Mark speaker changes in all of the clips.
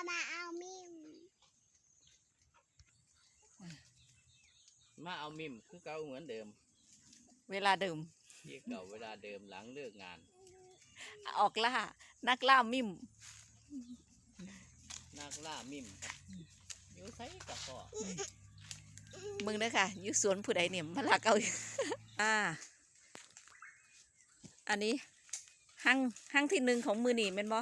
Speaker 1: มาเอามิมคือเก่าเหมือนเดิม
Speaker 2: เวลาเดิม
Speaker 1: ที่เก่าเวลาเดิมหลังเลิกงาน
Speaker 2: ออกล่านักล่ามิม
Speaker 1: นักล่ามิมครับอยู่ไสกับพ่อ
Speaker 2: มึงเด้อค่ะอยู่สวนผู้ใดเนี่ยมาลักเอาอันนี้หั่งที่หนึ่งของมือนี่เป็นบ่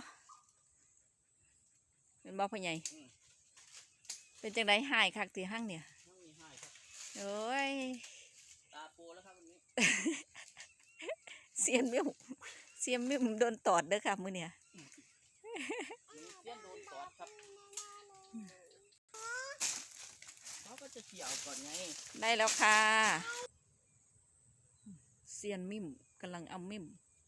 Speaker 2: พ่อใหญ่เป็นจังไดหายคักที่หั่งเนี่ยโอ้ย
Speaker 1: ตาโปแล้วครับวันนี้
Speaker 2: เสียนมิมโดนตอดเด้อค่ะมือเนี่ย
Speaker 1: เสียนโดนตอดครับเขาก็จะเกี่ยวก่อนไง
Speaker 2: ได้แล้วค่ะเสียนมิมกำลังเอามิม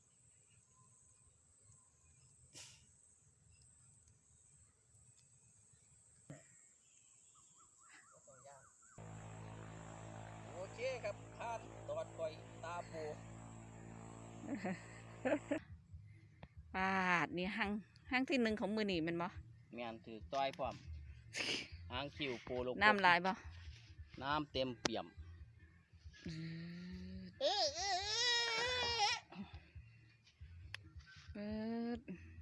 Speaker 1: โอเคครับผ่านตอดก่อยตาโป
Speaker 2: ปาดนี่หั่งที่หนึ่งของมือนี่เป็นบ่
Speaker 1: แม่นถือต้อยพร้อมหางคิวโปโล
Speaker 2: น้ำลายบ่
Speaker 1: น้ำเต็มเปี่ยม
Speaker 2: เปิด